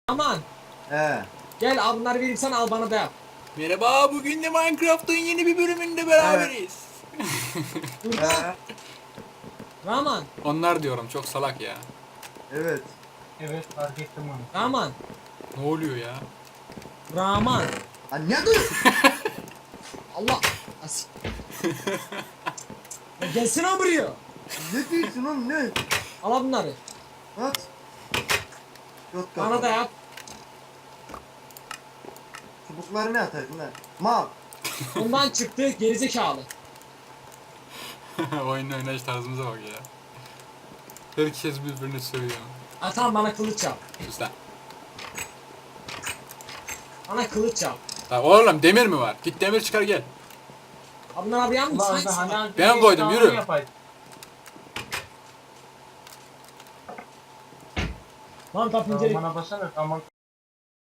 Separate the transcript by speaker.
Speaker 1: Aman
Speaker 2: He.
Speaker 1: gel al bunları vereyim sana, al bana da yap.
Speaker 3: Merhaba, bugün de Minecraft'ın yeni bir bölümünde beraberiz.
Speaker 1: Burada.
Speaker 2: He.
Speaker 1: Rahman.
Speaker 3: Onlar diyorum, çok salak ya.
Speaker 2: Evet.
Speaker 4: Evet fark ettim onu.
Speaker 1: Rahman.
Speaker 3: Ne oluyor ya?
Speaker 1: Rahman.
Speaker 2: Ha ne diyorsun?
Speaker 1: Allah. As ya gelsene buraya.
Speaker 2: Ne diyorsun oğlum ne?
Speaker 1: Al bunları.
Speaker 2: At. Yok
Speaker 1: Bana da yap.
Speaker 2: Çubukları ne ataydın lan? Mal.
Speaker 1: Ondan çıktı gerizekalı.
Speaker 3: Oyun oynayış tarzımıza bak ya. Herkes birbirini sövüyor.
Speaker 1: Ha tamam, bana kılıç yap.
Speaker 3: Sus lan.
Speaker 1: Bana kılıç yap.
Speaker 3: Lan oğlum, demir mi var? Git demir çıkar gel.
Speaker 1: Ha bunlar abi yan mı?
Speaker 4: Ulan
Speaker 1: Hangisi
Speaker 4: hani
Speaker 1: var?
Speaker 4: az
Speaker 3: Ben
Speaker 4: önce
Speaker 3: koydum,
Speaker 4: işte
Speaker 3: yürü.
Speaker 4: onu yapaydım.
Speaker 1: Lan tap incelik.
Speaker 4: Bana basana tamam